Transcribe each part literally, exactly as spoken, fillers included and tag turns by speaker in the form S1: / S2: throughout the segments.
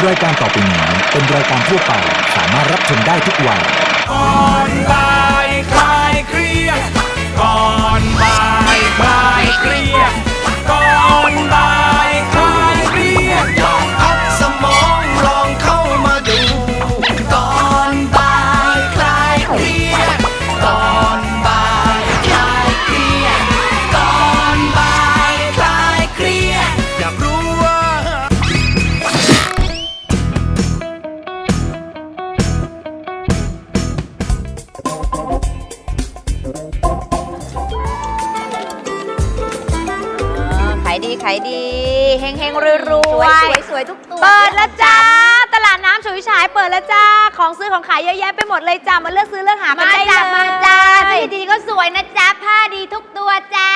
S1: รายการต่อไปนี้เป็นรายการทั่วไปสามารถรับชมได้ทุกวัย
S2: ก่อนบ่ายคลายเครียดก่อนบ่ายคลายเครียดก่อนบ่ายคลายเครียดลองพักสมองลองเข้ามาดูก่อนบ่ายคลายเครียดก่อนบ่ายคลายเครียดก่อนบ่ายคลายเครียดอยากรู้ว่า
S3: ขายดีขายดีเฮงเฮงรวยรวย
S4: สวยสวยทุกตัว
S3: เปิดแล้วจ้าตลาดน้ำฉุยฉายเปิดแล้วจ้าของซื้อของขายเยอะแยะไปหมดเลยจ้ามาเลือกซื้อเลือกหากัน
S4: มา
S3: ได้
S4: จ้า
S3: เลย
S4: มาจ้าสีดีก็สวยนะจ้าผ้าดีทุกตัวจ้า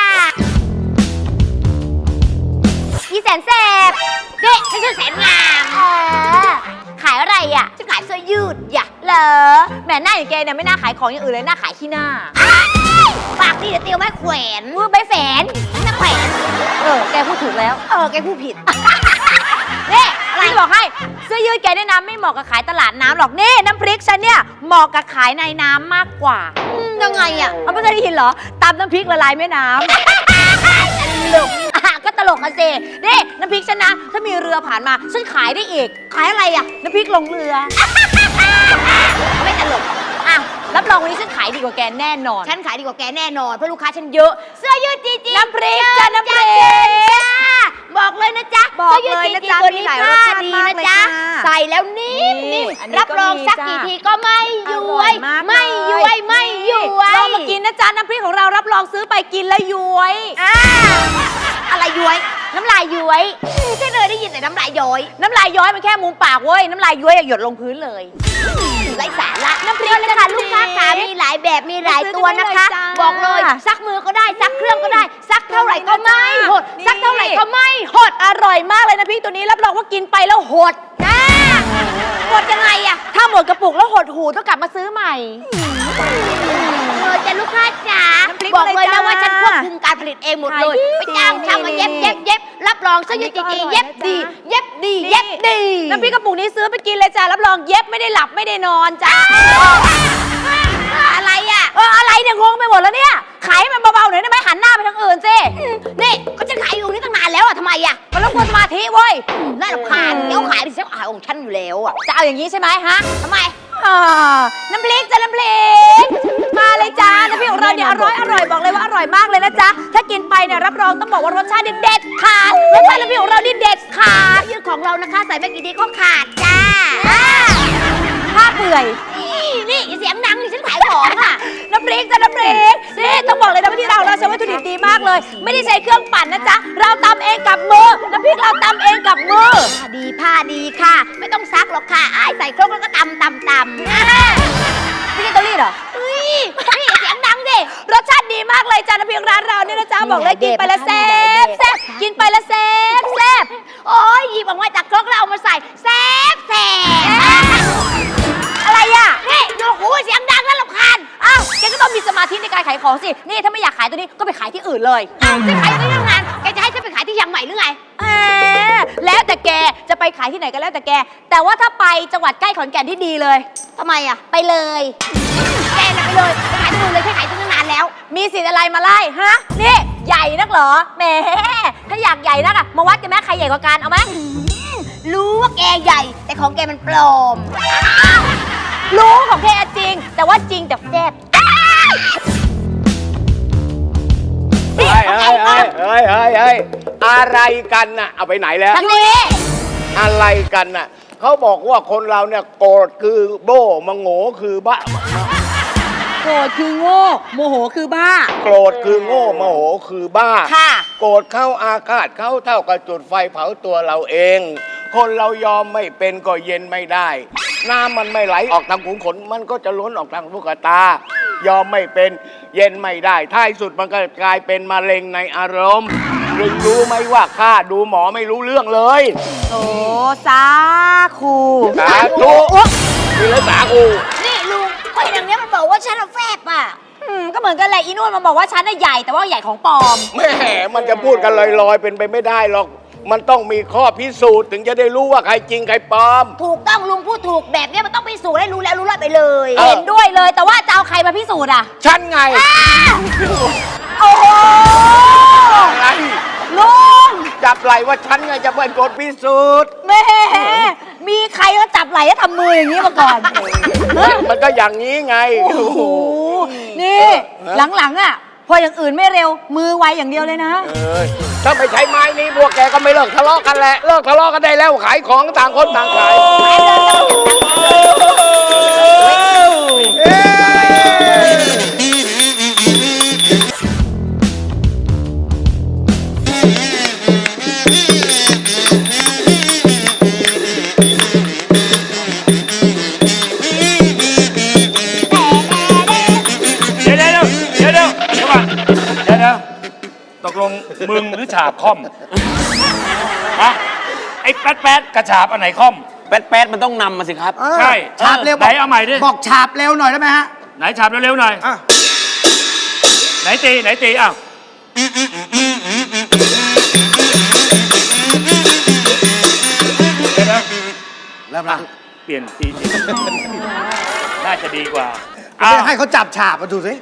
S4: อีแสนแสบเด็กฉันชื่อแสนงามเออขายอะไรอ่ะฉันขายเสื้อยืดอย่า
S3: เหรอแหมหน้าอย่างแกเนี่ยไม่น่าขายของอย่างอื่นเลยน่าขายขี้หน้า
S4: ปากดีเดี๋ยวเตียวไม้แขวน
S3: มือใบแฝน
S4: ไม่แขวน
S3: เออแกพูดถูกแล้ว
S4: เออแกพูดผิด
S3: นี่อะไรบอกให้เสื้อยืดแกเนี่ยนะไม่เหมาะกับขายตลาดน้ำหรอกนี่น้ำพริกฉันเนี่ยเหมาะกับขายในน้ำมากกว่า
S4: อืมยังไงอ่ะ
S3: เอาไม่เคยได้ยินเหรอตำน้ำพริกละลายแม่น้ำ
S4: ตลก
S3: อ่ะก็ตลกกันสินี่น้ำพริกฉันนะถ้ามีเรือผ่านมาฉันขายได้อีก
S4: ขายอะไรอ่ะ
S3: น้ำพริกลงเรือ
S4: ไม่ตลก
S3: อ่ะรับรองวันนี้ฉันขายดีกว่าแกแน่นอน
S4: ฉันขายดีกว่าแกแน่นอนเพราะลูกค้าฉันเยอะเสื้อยืดจีจี
S3: น้ำพริกจ้ะน้ำพริก
S4: จ้าบอกเลยนะจ๊ะ
S3: บอก
S4: สื้
S3: เลย
S4: จี
S3: นะ
S4: จี
S3: จ๊ะ
S4: ตัว
S3: มี
S4: นี้
S3: หลาย
S4: ผ้าร
S3: สชาติ
S4: ดี
S3: มาก
S4: นะ
S3: เลย
S4: จ๊ะ
S3: ค่ะ
S4: ใส่แล้วนิ่ม
S3: นี่
S4: นิ่ม
S3: อันนี้
S4: รับรอง
S3: ก็มี
S4: ซัก
S3: จ้ะ
S4: กี่ทีก็ไม่ย้วย
S3: อร่อยมาก
S4: ไม่
S3: เลย
S4: ย้วยไม่ย้วย
S3: ลองมากินนะจ๊ะน้ำพริกของเรารับรองซื้อไปกินแล้วย้วย
S4: อ่าอะไรย้วย น้ำลายย้วยใช่เลยได้ยินแต่น้ำลายย้อย
S3: น้ำลายย้อยมันแค่มุมปากเว้ยน้ำลายย้วยอะหยดลงพื้นเลย
S4: ไร้สาระน้ำพริกนะคะลูกค้าขามีหลายแบบมีหลายตัวนะคะ
S3: ซื้อกันได้เลยจ้า
S4: บอกเลยซักมือก็ได้ซักเครื่องก็ได้ซักเท่าไหร่ก็ไม่หด
S3: นี่
S4: ซักเท่าไหร่ก็ไม่หด
S3: อร่อยมากเลยนะพริกตัวนี้รับรองว่ากินไปแล้วหด
S4: อ่าหดยังไงอะ
S3: ถ้าหมดกระปุกแล้วหดหูต้องกลับมาซื้อใหม่
S4: เออจะลูกค้าจ๋า
S3: น้ำพริก
S4: บอกเลย
S3: เลย
S4: นะ
S3: จ้า
S4: ว่าฉันควบคุมการผลิตเองหมดเลย
S3: ขายดี
S4: ไปจ้างช่างมาเย็บเย็บเย็บรับรองเสื้อยืด
S3: อันนี้
S4: จี
S3: ก็อร่อย
S4: เย็บ
S3: นะ
S4: ดี
S3: จ๊ะ
S4: เย็บดีเย็บดี
S3: น้ำพริกกระปุกนี้ซื้อไปกินเลยจ้ารับรองเย็บไม่ได้หลับไม่ได้นอนจ้า
S4: อะไรอ่ะ
S3: เอออะไรเนี่ยงงไปหมดแล้วเนี่ยขายให้มันเบาๆหน่อยได้ไหมหันหน้าไปทางอื่นสิ
S4: นี่ก็ฉันขายอยู่นี่ตั้งนานแล้วอ่ะทำไมอ่ะ
S3: มันรบกวนสมาธิเว้ย
S4: น่ารำคาญเดี๋ยวขายไปเสียขายของฉันอยู่แล้วอ่ะ
S3: จะเอาอย่างนี้ใช่ไหมฮะ
S4: ทำไม
S3: อ่าน้ำพริกจ้ะน้ำพริกมาเลยจ้าน้ำพริกของเราเนี่ยอร่อยอร่อยบอกเลยว่าอร่อยมากเลยนะจ๊ะถ้ากินไปเนี่ยรับรองต้องบอกว่ารสชาติเด็ดขาดรสชาติน้ำพริกของเรานี่เด็ดขาด
S4: ยืดของเรานะคะใส่ไม่กี่ทีก็ขาดจ้า
S3: ผ้าเปื่อย
S4: นี่นี่อย่าเสียงดังดิฉันขายของอ่ะ
S3: น้ำพริกจ้ะน้ำพริกนี่ต้องบอกเลยนะว่าที่เราเราใช้วัตถุดิบดีมากเลย ไม่ได้ใช้เครื่องปั่นนะจ๊ะเราตำเองกับมือน้ำพริกเราตำเองกับมือ
S4: ผ้าดีผ้าดีค่ะ ไม่ต้องซักหรอกค่ะอ้ายใส่ครกแล้วก็ตำตำตำ
S3: ไม่ใช่เตารีดเหรอ
S4: เฮ้ยนี่เสียงดังดิ
S3: รสชาติดีมากเลยจ้ะน้ำพริกร้านเราเนี่ยนะจ๊ะบอกเลยกินไปแล้วแซ่บแซ่บกินไปแล้วแซ่บแซ่บ
S4: โอ้ยหยิบออกมาจากครกแล้วเอามาใส่แซ่บแซ่บ
S3: อะไรอ่ะ
S4: นี่โยกหูเสียงดังแล้วรำคาญ
S3: อ้าวแกก็ต้องมีสมาธิในการขายของสิ นี่ถ้าไม่อยากขายตัวนี้ก็ไปขายที่อื่นเลย
S4: อ้าวจะขายที่ทำงานแกจะให้ฉันไปขายที่ยังใหม่หรือไง
S3: แหมแล้วแต่แกจะไปขายที่ไหนก็แล้วแต่แก แต่ว่าถ้าไปจังหวัดใกล้ขอนแก่นที่ดีเลย
S4: ทำไมอ่ะ
S3: ไปเลย
S4: แกน่ะไปเลยไปขายที่นู่นเลยฉันขายที่นั่นนานแล้ว
S3: มีสิทธิ์อะไรมาไล่ฮะ นี่ใหญ่นักเหรอ แหม ถ้าอยากใหญ่นักอะมาวัดกันไหมใครใหญ่กว่ากันเอาไหม
S4: รู้ว่าแกใหญ่ แต่ของแกมันปลอม
S3: รู้ของแกจริง แต่ว่าจริงแต่แซ่บ
S5: เฮ้ยเฮ้ยเฮ้ยเฮ้ยเฮ้ยเฮ้ยอะไรกันน่ะ เอาไปไหนแล้ว
S4: ทางนี้
S5: อะไรกันน่ะ เขาบอกว่าคนเราเนี่ยโกรธคือโบ้มังโง่คือบ้า
S3: โกรธคือโง่ โมโหคือบ้า
S5: โกรธคือโง่โมโหคือบ้า
S3: ค่ะ
S5: โกรธเข้าอาฆาตเข้าเท่ากับจุดไฟเผาตัวเราเอง คนเรายอมไม่เป็นก็เย็นไม่ได้ น้ำมันไม่ไหลออกทางขุมขนมันก็จะล้นออกทางลูกตา ยอมไม่เป็นเย็นไม่ได้ท้ายสุดมันก็กลายเป็นมะเร็งในอารมณ์ลุงรู้ไหมว่าข้าดูหมอไม่รู้เรื่องเลย
S3: โอ้สาคู
S5: สาธุคือแล้วสาคู
S4: นี่ลุงคนอย่างเนี้ยมันบอกว่าฉันเอาแฟบอ่ะ
S3: อืมก็เหมือนกันแหละอีนุ่นมันบอกว่าฉันน่ะใหญ่แต่ว่าใหญ่ของปลอม
S5: แม่มันจะพูดกันลอยๆเป็นไปไม่ได้หรอกมันต้องมีข้อพิสูจน์ถึงจะได้รู้ว่าใครจริงใครปลอม
S4: ถูกต้องลุงพูดถูกแบบเนี้ยมันต้องพิสูจน์ให้รู้แล้วรู้รอดไปเลย
S5: เออ
S3: เห็นด้วยเลยแต่ว่าจะเอาใครมาพิสูจน์อ่ะ
S5: ฉันไง
S3: โอ้โห
S5: อะไร
S3: ลุง
S5: จับไหลว่าฉันไงจะเป็นคนพิสูจน์
S3: แหม่มีใครก็จับไหล่แล้วทำมืออย่างนี้มาก่อน
S5: มันก็อย่างนี้ไง
S3: โอ้โหนี่หลังๆอ่ะพออย่างอื่นไม่เร็วมือไวอย่างเดียวเลยนะ
S5: เออถ้าไม่ใช้ไม้นี้พวกแกก็ไม่เลิกทะเลาะกันแหละเลิกทะเลาะกันได้แล้วขายของต่างคนต่างขาย
S2: เดี๋ยวเดี๋ยวเดี๋ยวเดี๋ยวเดี๋ยวก่อนเดี๋ยวเดี๋ยวตกลงมึงหรือฉาบค่อมฮะไอ้แป๊ดแป๊ดกระฉาบอันไหนค่อม
S6: แป๊ดแป๊ดมันต้องนำมาสิครับ
S2: ใช่
S7: ฉาบเร็ว
S2: ไหนเอาใหม่ดิ
S7: บอกฉาบเร็วหน่อยได้ไหมฮะ
S2: ไหนฉาบเร็วๆหน่อย
S7: อ่ะ
S2: ไหนตีไหนตีอ้าวเดี๋ยวนะ
S7: เริ่มละ
S2: เปลี่ยนตีน่าจะดีกว่า
S7: ไม่
S2: อ้าว
S7: ใช่ให้เขาจับฉาบมาดูสิ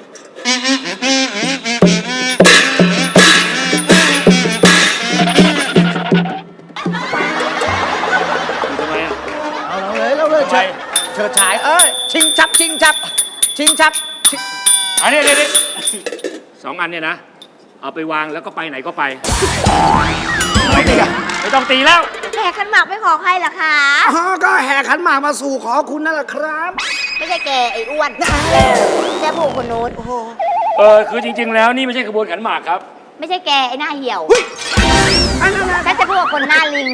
S2: ทำไมอ่ะ
S7: เอาเลยเอาเลย
S2: ทำไม
S7: เชิดเฉิดฉายเอ้ยชิงชับชิงชับชิงชับชิง
S2: อันนี้นี่สองอันเนี่ยนะ เอาไปวางแล้วก็ไปไหนก็ไป
S7: ไม่ดีอ่ะ
S2: ไม่ต้องตีแล้ว
S4: แห่ขันหมากไปขอใครล่ะคะ
S7: อ๋อก็แห่ขันหมากมาสู่ขอคุณนั่นแหละครับ
S4: ไม่ใช่แกไอ้อ้วนแค่ผู้คนโน้น
S2: เออคือจริง ๆ แล้วนี่ไม่ใช่ขบวนขันหมากครับ
S4: ไม่ใช่แกไอ้หน้าเหี่ยว
S7: อันนั้นนะ
S4: ฉันจะพูดกับคนหน้าลิง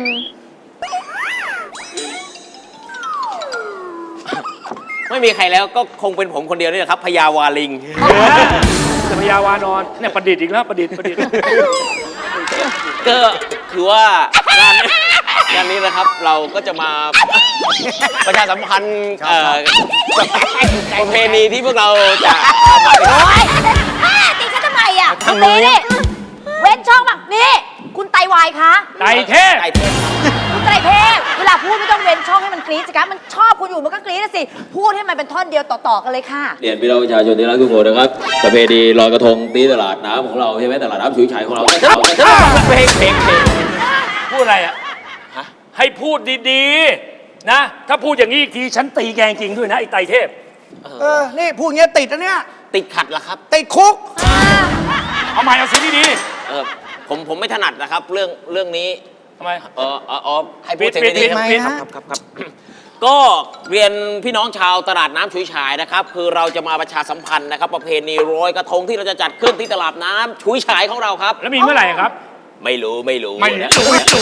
S6: ไม่มีใครแล้วก็คงเป็นผมคนเดียวนี่แหละครับพญาวาลิง
S2: จะพยาวานอนเนี่ยประดิษฐ์อีกแล้วประดิษฐ์ประดิษฐ์
S6: ก็คือว่างานนี้งานนี้นะครับเราก็จะมาประชาสัมพันธ์เอ่อประเพณีที่พวกเราจะ
S3: โอ๊ยตีฉันทำไมอ่ะคุณตีนี่เว้นช่องแบบนี้คุณไตวายคะ
S2: ไตเทพ
S6: ไก่เทพ
S3: คุณไตรเทพเวลาพูดไม่ต้องเว้นช่องให้มันกรี๊ดสิคะมันชอบคุณอยู่มันก็กรี๊ดนะสิ พูดให้มันเป็นท่อนเดียวต่อๆกันเลยค่ะ
S8: เรียนพี่น้องประชาชนที่รักทุกคนนะครับประเพณีลอยกระทงตีตลาดน้ำของเราใช่ไหมตลาดน้ำฉุยฉายของเราแต่เราแต่เรา
S6: เพลงเพลงเพลง
S2: พูดอะไรอ่ะให้พูดดีๆนะ ถ้าพูดอย่างนี้อีกทีฉันตีแกงจริงด้วยนะไอ้ไตเทพ
S7: เออนี่พูดอย่างเงี้ยติดนะเนี่ย
S6: ติดขัดละครับ
S7: ติดคุก
S2: เอาใหม่เอาเสียงดี
S6: เออผมผมไม่ถนัดนะครับ เรื่องเรื่องนี้
S2: ๆทำไม
S6: เออเอออ๋อให้พูดเสียง
S2: ปิด
S6: ดี
S2: ปิด
S6: ๆครับ
S2: ปิด
S6: ครับครับครับครับ ก็เรียนพี่น้องชาวตลาดน้ำฉุยฉายนะครับ คือเราจะมาประชาสัมพันธ์นะครับ ประเพณีลอยกระทงที่เราจะจัดขึ้นที่ตลาดน้ำฉุยฉายของเราครับ
S2: แล้วมีเมื่อไหร่ครับ
S6: ไม่รู้ไม่รู้
S2: ไม่
S6: นะ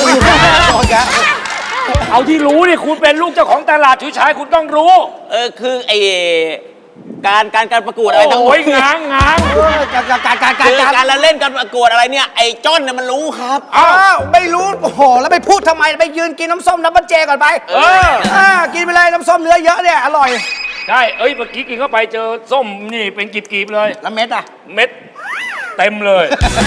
S2: เอาที่รู้นี่คุณเป็นลูกเจ้าของตลาดฉุยฉายคุณต้องรู้
S6: เออคือไอการการการประกวดอะไรทั้งหม
S2: โอ้
S6: ด
S2: ยง้างง้าง
S7: เออการการการการ
S6: คือ
S7: การ
S6: การละเล่นการประกวดอะไรเนี่ยไอ้จ้อนเนี่ยมันรู้ครับ
S7: อ้าวไม่รู้โอ้โหแล้วไปพูดทำไมไปยืนกินน้ำส้มน้ำบันเจก่อนไป
S2: เออ
S7: อ่ากินไปเลยน้ำส้มเนื้อเยอะเนี่ยอร่อย
S2: ใช่เอ้ยเมื่อกี้กินเข้าไปเจอส้มนี่เป็นกลีบๆเลย
S7: แล้วเม็ดอ่ะ
S2: เม็ดเต็มเลย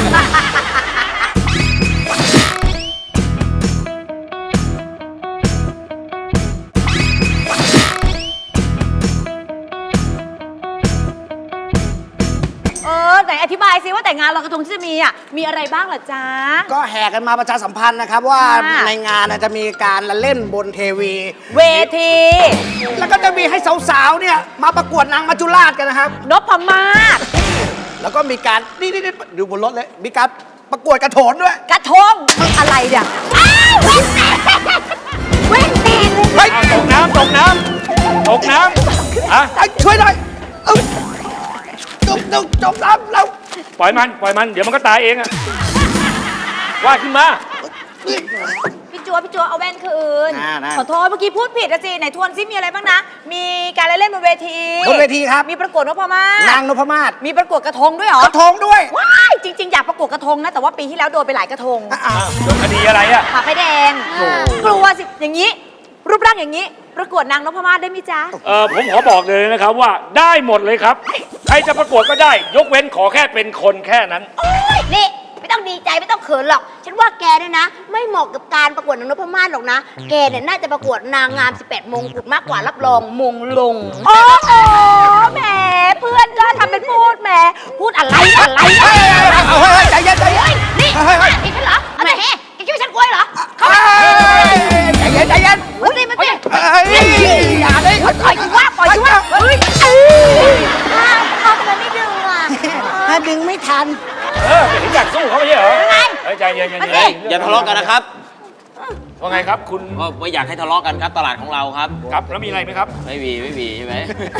S3: เออไหนอธิบายซิว่าแต่งานลอยกระทงที่จะมีอ่ะมีอะไรบ้างเหรอจ๊ะ
S7: ก็แห่กันมาประชาสัมพันธ์นะครับว่า
S3: ค่ะ
S7: ในงานน่ะจะมีการละเล่นบนเทวี
S3: เวที
S7: แล้วก็จะมีให้สาวๆเนี่ยมาประกวดนางมัจจุราชกันนะครับ
S3: นพมาศ
S7: แล้วก็มีการนี่นี่นี่ดูบนรถเลย มีการประกวดกระโถนด้วย
S3: กระทงอะไรเนี่ยอ้าวเว้นแตกเว้นแตกเลย
S7: เฮ้ย
S2: เอาตกน้ำตกน้ำตกน้ำฮะ
S7: เอ้ยช่วยหน่อยเอ้ยจมจมจมน้ำเรา
S2: ปล่อยมันปล่อยมันเดี๋ยวมันก็ตายเองอะว่าขึ้นมา
S3: พี่จัวพี่จัวเอาแว่นคืน
S7: น่าน่า
S3: ขอโทษเมื่อกี้พูดผิดอะสิไหนทวนซิมีอะไรบ้างนะ มีการเล่นบนเวที
S7: บนเวทีครับ
S3: มีประกวดนพมาศ
S7: นางนพมาศ
S3: มีประกวดกระทงด้วยเหรอก
S7: ระทงด้วย
S3: ว้ายจริง ๆ อยากประกวดกระทงนะแต่ว่าปีที่แล้วโดนไปหลายกระทง
S7: อ่ะ
S2: โดนคดีอะไรอะ
S3: ผ่าไฟแดงกลัวสิอย่างนี้ รูปร่างอย่างนี้ ประกวดนางนพมาศได้ไหมจ๊ะ
S2: เออผมขอบอกเลยนะครับว่าได้หมดเลยครับ ใครจะประกวดก็ได้ ยกเว้นขอแค่เป็นคนแค่นั้น
S4: นี่ไม่ต้องดีใจไม่ต้องเขินหรอก ฉันว่าแกเนี่ยนะ ไม่เหมาะกับการประกวดนางนพมาศหรอกนะ แกเนี่ยน่าจะประกวดนางงามสิบแปดมงกุฎมากกว่ารับรองมงลง
S3: โอ้โหแหมเพื่อนก็ทำเป็นพูดแหมพูดอะไรอะไรอะไร
S7: เอาเฮ้ยใจเย็นใจเย็น
S4: นี่
S7: เฮ้ยเฮ้ย
S4: อีกฉันเหรอเอาแหมแกคิดว่าฉันกล้วยเหรอ
S7: ใจเย็นใจเย็น
S4: มาสิมาสิ
S7: เฮ้ยอย่าเลย
S3: ปล่อยกูว่าปล่อยกูว่าเฮ้ย
S4: อ้าวพ่อทำไมไม่ดึงอ่ะ
S7: ถ้าดึงไม่ทัน
S2: เออเห็นอยากสู้เขาไม่ใช่เหรอเฮ้ยใจเย็นใจ
S6: เฮ้
S2: เย็
S6: ย
S2: น
S6: อย่าทะเลาะกันนะครับ
S2: ว่าไงครับคุณ
S6: ก็ไม่อยากให้ทะเลาะกันครับตลาดของเราครับ
S2: ครับแล้วมีอะไรไหมครับ
S6: ไม่มีไม่มีใช่ไหม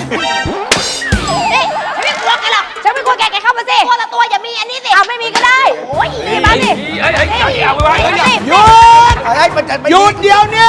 S4: นี่ฉันไม่กลัวแกหรอก
S3: ฉันไม่กลัวแกแกเข้ามาสิ
S4: ตัวละตัวอย่ามีอันนี้สิ
S3: เอาไม่มีก็ได้
S4: โอ้ย
S3: นี่มาสิ
S2: เฮ้ยเฮ้ยใจเอาไว้
S3: มาสิ
S7: หยุดเฮ้ยมันจะหยุดเดี๋ยวนี้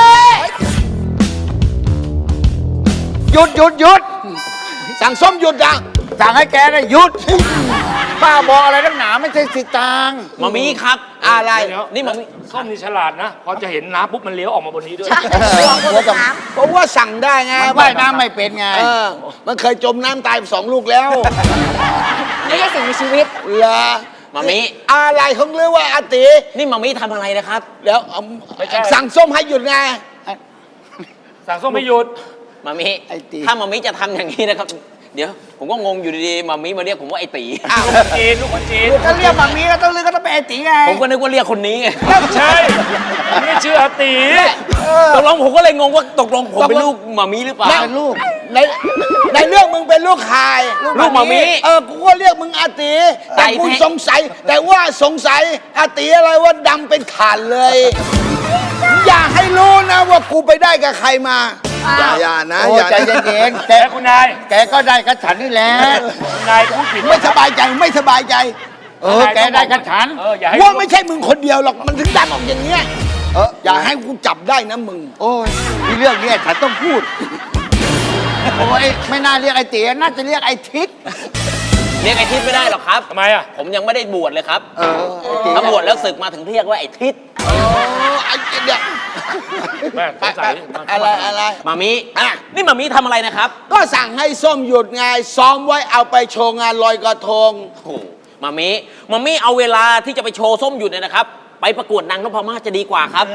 S7: หยุดหยุดหยุดสั่งส้มหยุดอ่ะสั่งให้แกนะหยุดป้าบอกอะไรนักหนาไม่ใช่สิตาง
S6: มามีครับ
S7: อะไร
S6: นี่มามี
S2: ส้มนี่ฉลาดนะ พอจะเห็นน้ำปุ๊บมันเลี้ยวออกมาบนนี้ด้วย
S5: เพราะว่าสั่งได้ไง
S7: มันว่ายน้ำไม่เป็นไง
S5: เออมันเคยจมน้ำตายสองลูกแล้ว
S3: ไม่ใช่สิ่งมีชีวิต
S5: เหรอ
S6: มามี
S5: อะไรของเรื่องว่าอาติ
S6: นี่มามีทำอะไรนะครับ
S5: เดี๋ยวเอา
S2: ไม่ใช่
S5: สั่งส้มให้หยุดไง
S2: สั่งส้มไม่หยุด
S6: มามี
S7: ไอ้ตี
S6: ถ้ามามีจะทำอย่างนี้นะครับ เดี๋ยวผมก็งงอยู่ดีๆมามีมาเรียกผมว่าไอ้ตี
S2: อ้าวลูกคนจีนลูกคนจีน
S7: ถ้าเรียกแบบนี้ก็ต้องเรียกก็ต้องเป็นไอตีไง
S6: ผมก็นึกว่าเรียกคนนี้ไง
S2: ใช่ผมไม่ชื่ออาตี
S6: ตกลงผมก็เลยงงว่าตกลงผมเป็นลูกมามีหรือเปล่า
S7: เป็นลูก
S5: ในในเรื่องมึงเป็นลูกใคร
S6: ลูกหมามิ
S5: เออกูก็เรียกมึงอาติแต่กู
S6: ไก่แท้
S5: สงสัย แต่ว่าสงสัยอาติอะไรว่าดำเป็นถ่านเลย อย่าให้รู้นะว่ากูไปได้กับใครมา อย่าอย่านะ
S7: โอ้
S5: อย่า
S7: ใจ
S5: นะ
S7: เย็นๆแก
S2: แต่คุณนาย
S7: แกก็ได้กับฉันนี่แหละ
S2: คุณนายพูดผิด
S5: ไม่สบายใจไม่สบายใจ
S7: เออแกได้กับฉัน
S2: เอออย่าให้
S5: ว่าไม่ใช่มึงคนเดียวหรอกมันถึงดังออกอย่างเงี้ย
S7: เออ
S5: อย่าให้กูจับได้นะมึง
S7: โอ้ยมีเรื่องเนี้ยฉันต้องพูด โอ้ยไม่น่าเรียกไอ้เตี๋ยน่าจะเรียกไอ้ทิศ
S6: เรียกไอ้ทิศไม่ได้หรอกครับ
S2: ทำไมอ่ะ
S6: ผมยังไม่ได้บวชเลยครับ
S7: เออไอ้เตี๋ย
S6: ถ้าบวชแล้วศึกมาถึงเรียกว่าไอ้ทิศ
S5: โอ้ไอ้เดี๋ยว
S2: แม่สงสัยมัน
S5: อะไรอะไร
S6: มามี
S5: อ่ะ
S6: นี่มามีทำอะไรนะครับ
S5: ก็สั่งให้ส้มหยุดไงซ้อมไว้เอาไปโชว์งานลอยกระทง
S6: โอ้โหมามีมามีเอาเวลาที่จะไปโชว์ส้มหยุดเนี่ยนะครับ ไปประกวดนางนพมาศจะดีกว่าครับ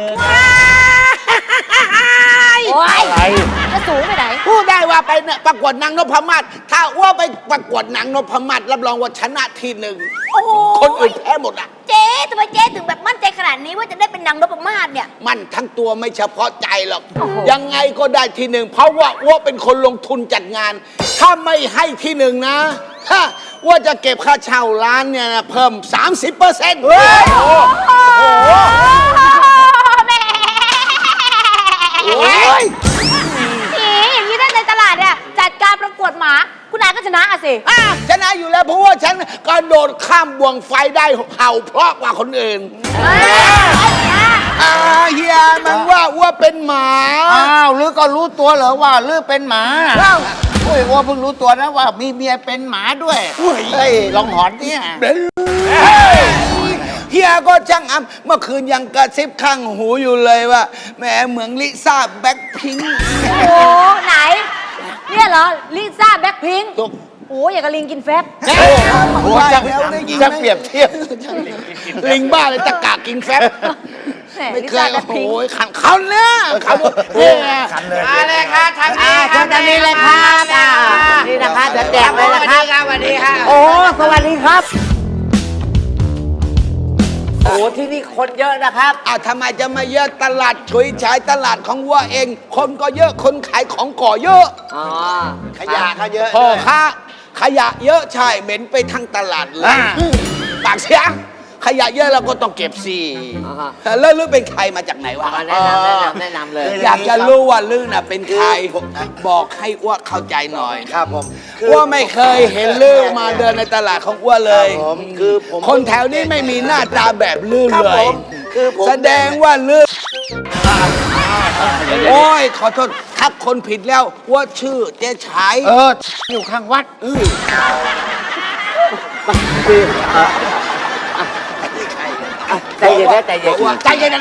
S3: โอ้ย
S2: อะไร
S3: จะสูงไปไหน
S5: พูดได้ว่าไปเนี่ยประกวดนางนพมาศถ้าอ้ว่าไปประกวดนางนพมาศรับรองว่าชนะทีหนึ่ง
S4: โอ้โห
S5: คนอื่นแพ้หมดอ่ะ
S4: เจ๊ทำไมเจ๊ถึงแบบมั่นใจขนาดนี้ว่าจะได้เป็นนางนพมาศเนี่ย
S5: มันทั้งตัวไม่เฉพาะใจหรอก ยังไงก็ได้ทีหนึ่งเพราะว่าอ้วเป็นคนลงทุนจัดงาน ถ้าไม่ให้ที่หนึ่งนะฮะว่าจะเก็บค่าเช่าร้านเนี่ยนะเพิ่ม สามสิบเปอร์เซ็นต์
S3: แม่
S5: โอ้ย
S3: นี่อย่างนี้ถ้าในตลาดเนี่ยจัดการประกวดหมา คุณนายก็ชนะอะสิ
S5: อ่ะชนะอยู่แล้วเพราะว่าฉันกระโดดข้ามบ่วงไฟได้เห่าเพราะกว่าคนอื่นอ่าเฮียมันว่าอ้วเป็นหมา
S7: อ้าวลือก็รู้ตัวเหรอว่าลือเป็นหมาโอ้ยว่าเพิ่งรู้ตัวนะว่ามีเมียเป็นหมาด้วยเฮ้ยลองหอนเนี่ย
S5: เฮียก็ช่างอ้ำเมื่อคืนยังกระซิบข้างหูอยู่เลยว่าแหมเหมือนลิซ่าแบ็คพิงค์
S3: โอ้ไหน เนี่ยเหรอ ลิซ่าแบ็คพิงค์
S5: ถูก
S3: โอ้อย่างกับลิงกินแฟบ
S7: โอ้จะจะเปรียบเทียบ
S5: ลิงบ้าเลยตะกากินแฟบ
S3: แหม
S5: ไม่
S3: ลิ
S5: เค
S3: ซ่าย แบ็
S5: โอ้
S3: ค
S5: โห
S3: พิงค์
S5: ขันเขาเนี่ยเขาเนี่ยขันเลย
S7: มาเลยค่ะทางนี้ทางนี้เลยครับนี่นะคะจะแจกเลยนะครับสวัสดีค่ะโอ้สวัสดีครับโอ้ที่นี่คนเยอะนะครับ
S5: อ้าวทำไมจะมาเยอะตลาดฉุยฉายตลาดของวัวเอง คนก็เยอะคนขายของก่อเยอะ
S7: อ๋อขยะก็เยอะ
S5: พ่อค้าขยะเยอะใช่เหม็นไปทั้งตลาดเลย
S7: อ่า
S5: ปากเสียงขยะเยอะเราก็ต้องเก็บสิแล้วลือเป็นใครมาจากไหนวะ
S7: แนะนำแนะนำแนะนำเลย
S5: อยากจะรู้ว่าลือน่ะเป็นใครบอกให้อ้วเข้าใจหน่อย
S7: ครับผม
S5: อ้วไม่เคยเห็นลือมาเดินในตลาดของอ้วเลย
S7: ครับผมคือผม
S5: คนแถวนี้ไม่มีหน้าตาแบบลือ
S7: ครับ
S5: เล
S7: ผ
S5: ย
S7: มคือผม
S5: แสดงว่าลือโอ้ยขอโทษทักคนผิดแล้วว่าชื่อเจ๊ฉาย
S7: เอออยู่ข้างวัด
S5: อือ
S7: ใจเย็นนะใจเย็น
S5: ว่าใจเย็นนะ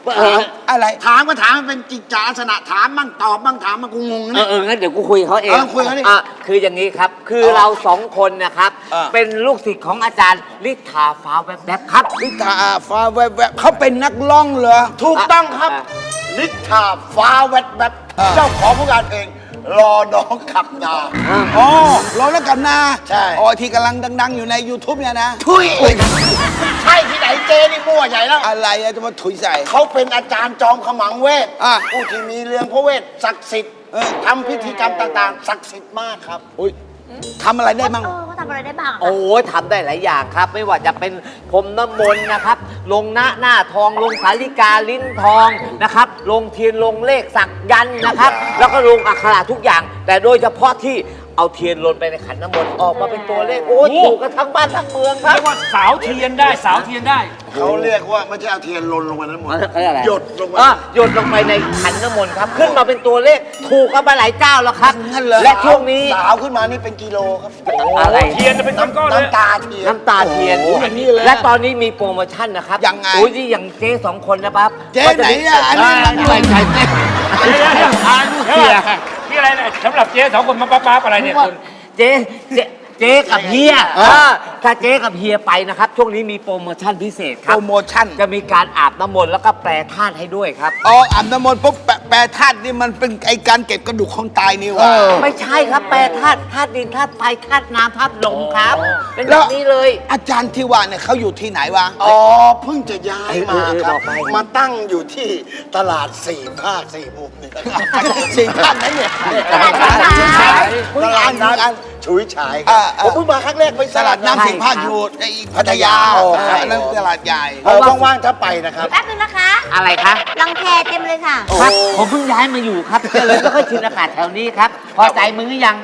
S7: ถามอะไร
S9: ถามก็ถามมันเป็นจิตจาลักษณะถามบ้างตอบบ้างถามบ้างกูงง
S10: เอ
S9: เนี่
S10: อย เอองั้นเดี๋ยวกูคุยกับเขาเอง
S9: เออคุยกับเขาดิ
S10: อ่ะคืออย่างนี้ครับ คือเราสองคนนะครับ เป็นลูกศิษย์ของอาจารย์ลิทธาฟ้าแวบๆครับ
S7: ลิทาฟ้าแวบๆเขาเป็นนักร้องเหรอ
S9: ถูกต้องครับ
S10: อ่ะ
S9: ลิทธาฟ้าแวดแบบ
S7: อ่า
S9: เจ้าของผลงานเพลงรอน้องขับนา
S7: อ๋อร้องแล้วกันนา
S9: ใช่
S7: อ๋อที่กำลังดัง ๆ อยู่ใน YouTube เนี่ยนะ
S9: ทุยใช่ที่ไหนเจนี่มั่วใหญ่แล้ว
S7: อะไรอะจะมาถุยใส่
S9: เขาเป็นอาจารย์จอมขมังเวท
S7: อ่ะ
S9: ผู้ที่มีเรื่องพระเวทศักดิ์สิทธิ์
S7: เออ
S9: ทำพิธีกรรมต่างๆ ศักดิ์สิทธิ์มากครับ
S7: อุ้ยทำอะไรได้มั่ง
S4: เออเขาทำอะไรได้บ้างอะคะ
S10: โอ้ยทำได้หลายอย่างครับ ไม่ว่าจะเป็นพรมน้ำมนต์นะครับ ลงหน้าหน้าทอง ลงสาลิกาลิ้นทองนะครับ ลงเทียนลงเลขสักยันต์นะครับ แล้วก็ลงอักขระทุกอย่าง แต่โดยเฉพาะที่เอาเทียนลนไปในขันน้ำมนต์ออกมาเป็นตัวเลข โอ้ยถูกกันทั้งบ้านทั้งเมืองครับ
S2: เรียกว่าสาวเทียนได้สาวเทียนได้
S9: เขาเรียกว่าไม่ใช่เอาเทียนลนลงไปนั้นหมด
S10: เขาเรียกอะไร
S9: หยดลงไป
S10: อ่ะหยดลงไปในขันน้ำมนต์ครับ ขึ้นมาเป็นตัวเลข ถูกกันมาหลายเจ้าแล้วครับ
S7: งั้นเหรอ
S10: และช่วงนี้
S9: สาวขึ้นมานี่เป็นกิโลครับ
S10: อะไร
S2: เทียนจะเป็นก้อนๆเลย
S9: น้ำตาเทียน
S10: น้ำตาเทียน
S7: โอ้โหอย่างนี้เลย
S10: และตอนนี้มีโปรโมชั่นนะครับ
S7: ยังไง
S10: โอ้ยนี่อย่างเจ๊สองคนนะครับ
S7: เจ๊ไหนอะอันนี้มัน
S10: ไม่ใช่เจ๊
S2: เดี๋ยวเดี๋ยวทานลูกเทียนนี่อะไรเนี่ยสำหรับเจ๊สองคนมาป๊าๆอะไรเนี่ยคุณ
S10: เจ๊เจ๊เจ๊กับเฮียเออถ้าเจ๊กับเฮียไปนะครับ ช่วงนี้มีโปรโมชั่นพิเศษค
S7: โป
S10: รับ
S7: รโมชั่น
S10: จะมีการอาบน้ำมนต์แล้วก็แปรธาตุให้ด้วยครับ
S7: อ๋ออาบน้ำมนต์ปุ๊บแปะแปรธาตุนี่มันเป็นไอการเก็บกระดูกคนตายนี่หวะ
S10: ไม่ใช่ครับแปรธาตุธาตุดินธาตุไฟธาตุน้ำธาตุลมครับ เป็นแบ
S7: แล้ว
S10: บนี้เลย
S7: อาจารย์ที่ว่าเนี่ยเขาอยู่ที่ไหนวะ
S9: อ๋อเพิ่งจะย้ายมาครับ
S10: เออเออบอกไป
S9: มาตั้งอยู่ที่ตลาดสี่ภาคสี่มุมนี่
S7: สี่ท่านนั้นเนี่ย
S4: ตลาดน้ำ
S9: ตลาดน้ำฉุยฉายค
S7: อ่า
S9: รับ
S7: อ่า
S9: ผมเพิ่งมาครั้งแรกไป
S7: ตลาดน้ำ
S10: ใช่
S7: สี่ภาคอยู่ในพัทยา
S9: โอ้
S7: เอออันนั้นตลาดใหญ่
S9: เออว่างๆถ้าไปนะครับ
S4: แป๊บนึงนะคะ
S10: อะไรคะ
S4: รังแคเต็มเลยค่ะ
S10: ครับผมเพิ่งย้ายมาอยู่ครับก็เลยไม่ค่อยชินอากาศแถวนี้ครับ พอใจมึงหรือยัง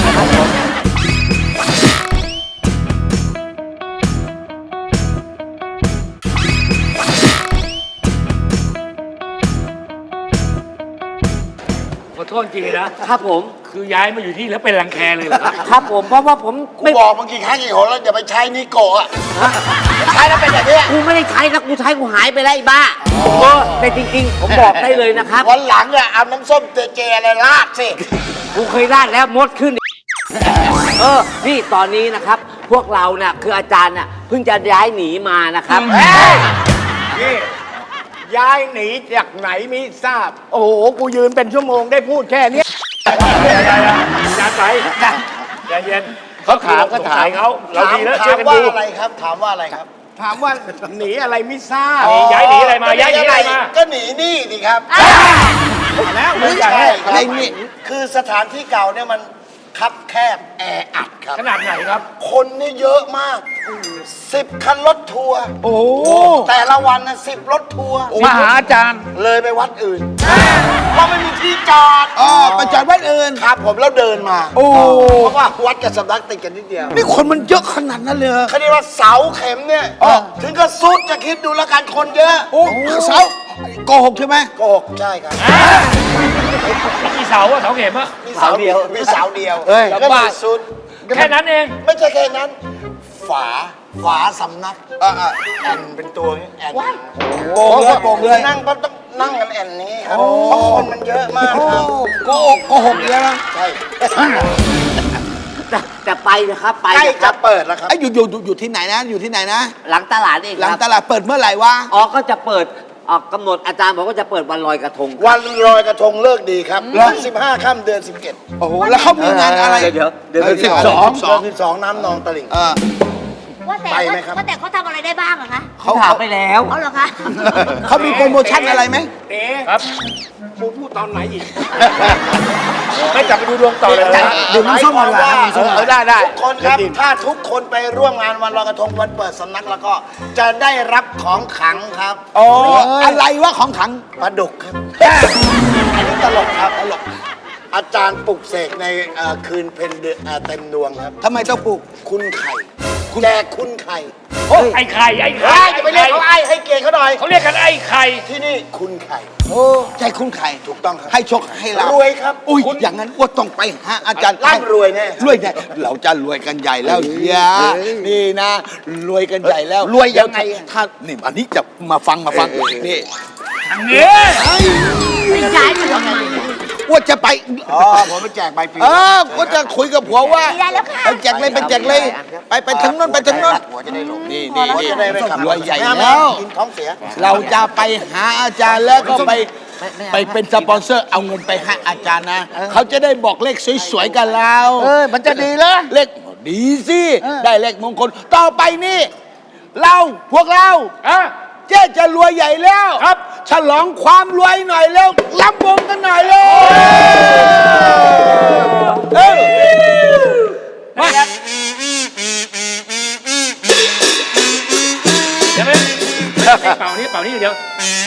S2: ขอโทษจริงๆนะครับ
S10: ผม
S2: คือย้ายมาอยู่ที่แล้วเป็นรังแคเลยเหรอครับ
S10: ครับผมเพราะว่าผม
S9: กู
S10: ไม่
S9: บอกเมื่อกี้ครั้งกี่หนแล้วอย่าไปใช้นิโกะอะใช้แล้วเป็นอย่างนี้ย
S10: กูไม่ได้ใช้นะกูใช้กูหายไปแล้วไอ้บ้าเออแต่จริงๆ ผมบอกได้เลยนะครับ
S9: วันหลังอะเอาน้ำส้มเจเจอะไรราดสิ
S10: กูเคยราดแล้วมดขึ้น เออ นี่ตอนนี้นะครับ พวกเราเนี่ยคืออาจารย์น่ะเพิ่งจะย้ายหนีมานะครับ
S5: เฮ้ยนี่ย้ายหนีจากไหนไม่ทราบ โอ้โห กูยืนเป็นชั่วโมงได้พูดแค่เนี้ย
S2: จานไปใจเย็น
S5: เขาถามเขาถาม
S2: เขาเราดีแล้ว
S9: ถา
S2: ช่วย
S9: ม
S2: กัน
S9: ว่า
S2: ดู
S9: อะไรครับ ถามว่าอะไรครับ
S5: ถามว่าหนีอะไรไม่ทราบ
S2: หนีย้ายหนีอะไรมา
S9: ก็
S2: ย้ายหนีอะไรมา
S9: ก็หนีหนี่ดิครับ
S5: แล้วมึ
S9: ไม่
S5: งอยาก
S9: ใช่
S5: ให้
S9: ครับ
S7: อะไรนี่
S9: คือสถานที่เก่าเนี่ยมันคับแคบแออัดครับ
S2: ขนาดไหนครับ
S9: คนนี่เยอะมากสิบคันรถทัวร์
S7: โอ้
S9: แต่ละวันนะสิบรถทัวร์
S7: มาหาอาจารย์
S9: เลยไปวัดอื่นเพราะไม่มีที่จอด
S7: อ๋อไปจอดวัดอื่น
S9: ครับผมแล้วเดินมา
S7: โอ้
S9: เพราะว่าวัดกับสำนักติดกันนิดเดียว
S7: นี่คนมันเยอะขนาดนั้นเลยเหรอ
S9: เขาเรียกว่าเสาเข็มเนี่ย
S7: อ๋อ
S9: ถึงก็สุดจะคิดดูแล้วกันคนเยอะ
S7: โอ้เสาโกหกใช่ไหม
S9: โกหกใช่ครับ
S2: มีเสาอะเสาเข็มอะ
S9: มีเสาเดียวมีเสาเดียว
S7: เอ้ย
S9: แล้วก็มีสุด
S2: แค่นั้นเอง
S9: ไม่ใช่แค่นั้น ฝาฝาสำนัก
S7: อ่าอ่า
S9: แอนเป็นตัวนี้แอน
S7: โป่งเลยโป่งเลย
S9: นั่งก็ต้องนั่งกันแอนนี้ครับเพราะคนมันเยอะมาก
S7: โอ้
S9: ครับ
S7: โกหกโกหกเยอะนะ
S9: ใช่
S10: จะจะไปนะครับ ไป
S9: ใกล้
S10: นะค
S9: จะ
S10: รับ
S9: เปิดแล้วครับ
S7: ไอ้ยอยู่อยู่อยู่อยู่ที่ไหนนะ อยู่ที่ไหนนะ
S10: หลังตลาดเอง
S7: หลัง
S10: ครับ
S7: ตลาดเปิดเมื่อไหร่วะ
S10: อ๋อก็จะเปิดออกกำหนดอาจารย์บอกว่าจะเปิดวันลอยกระทงครับ
S9: วันลอยกระทงเลิกดีครับวันสิบห้าค่ำเดือนสิบเจ็ด
S7: โอ้โห แล้วเขามีงานอะไร
S10: เดี๋ยวเดี๋ยว
S7: เออ
S10: เดี๋ยว
S7: สิบสอง
S9: เดือนสิบสองน้ำนองตลิ่ง
S7: เออ
S4: ว่าแต่
S9: ไปไหมครับ
S4: ว่าแต่เขาทำอะไรได้บ้างอะคะ
S10: เขาถามไปแล้ว
S4: เอาเหรอคะ
S7: เขามีโปรโมชั่นอะไรไหม
S5: เอ๊
S2: ครับ
S5: กูพูดตอนไหนอีก
S2: ไม่กลับไปดูดวงต่อเลยนะ
S7: ดื่มน้ำส้มก่อนดีกว่า
S9: หมายความว่า
S5: เออได้ได้
S9: ทุกคนครับ ถ้าทุกคนไปร่วมงานวันลอยกระทงวันเปิดสำนักแล้วก็จะได้รับของขลังครับ
S7: อ๋อ อะไรวะของขัง
S9: ปลาดุกครับ อันนี้ตลกครับตลกอาจารย์ปลุกเสกในเอ่อคืนเพ็ญเดือนเอ่อเต็มดวงครับ
S7: ทำไมต้องปลูก
S9: คุณไข่แจกคุณไข่
S2: ไอ้ไข่ไอ้
S9: เฮ้
S2: ไข่
S9: ยจะไปเรียกเขาไอ้ให้เกียรติเขาหน่อย
S2: เขาเรียกกันไอ้ไข่
S9: ที่นี่คุณไข่
S7: โอ้ใจคุณไข่
S9: ถูกต้องครับ
S7: ให้โชคให้ลาภ
S9: รวยครับ
S7: อุ้ยอย่างนั้นว่าต้องไปหาอาจารย์
S9: ร่ำรวยแน่
S7: รวยแน่เราจะรวยกันใหญ่แล้วเฮียนี่นะ รวยกันใหญ่แล้ว
S9: รวยยังไง
S7: ถ้านี่อันนี้จะมาฟังมาฟังนี่ทางนี้
S4: ไม่ย้ายมาทำไม
S7: ว่าจะไป
S9: อ๋อ ผมไปแจกใบปลิว
S7: เออว่าจะคุยกับผัวว่า
S4: ได้แล้วค่ะ
S7: ไปแจกเลยไปแจกเลยไปไปทางโน้นไปทางโน้น
S9: หัวจะได้ลง
S7: นี่นี่
S9: หัว
S7: นี่
S9: จะได้ไม่ขับ
S7: รวยใหญ่
S9: ไม่เอา
S7: แล้ว
S9: กินท้องเสีย
S7: เราจะไปหาอาจารย์แล้วก็ไปไปเป็นสปอนเซอร์เอาเงินไปให้อาจารย์นะเขาจะได้บอกเลขสวยๆกับเรา
S9: เออ มันจะดีเหรอ
S7: เลขดีสิได้เลขมงคลต่อไปนี่เราพวกเราเจ๊จะรวยใหญ่แล้วครับ ฉลองความรวยหน่อยแล้วรับวงกันหน่อยเลยเออมา
S2: เดี๋ยวไปเป่านี่เป่านี่เดี๋ยว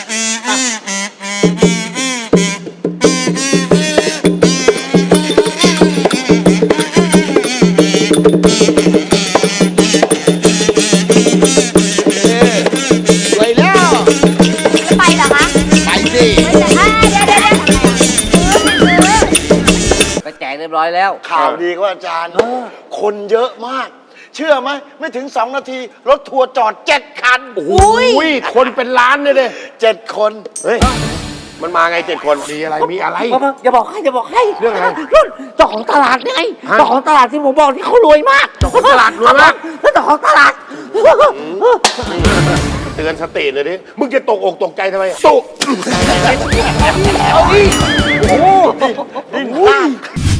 S7: รวยแล้ว
S4: จะไปเหรอคะ
S7: ไปสิ
S4: ไม่ใช่เดี๋ยวเดี๋ยวเดี๋ยวซื้อซื้อ
S10: ไปแจกเรียบร้อยแล้ว
S9: ข่าวดีครับอาจารย์ คนเยอะมาก เชื่อไหม ไม่ถึงสองนาที รถทัวร์จอดเจ็ดคัน โอ้โหคนเป็นล้านเลยเจ็ดคน เฮ้ย มันมาไงเจ็ดคน มีอะไร มีอะไร
S10: อย่าบอกให้อย่าบอกให้
S9: เรื่องอะไร
S10: รุ่นเจ้าของตลาดไงเจ้าของตลาดที่ผมบอกที่เขารวยมาก
S9: เจ้าของตลาดรวยมาก
S10: แล้วเจ้าของตลาด
S9: เตือนสติเลยดิ มึงจะตกอกตกใจทำไมตก
S7: เอาดิโอ้โห
S9: ดิ้นพลาด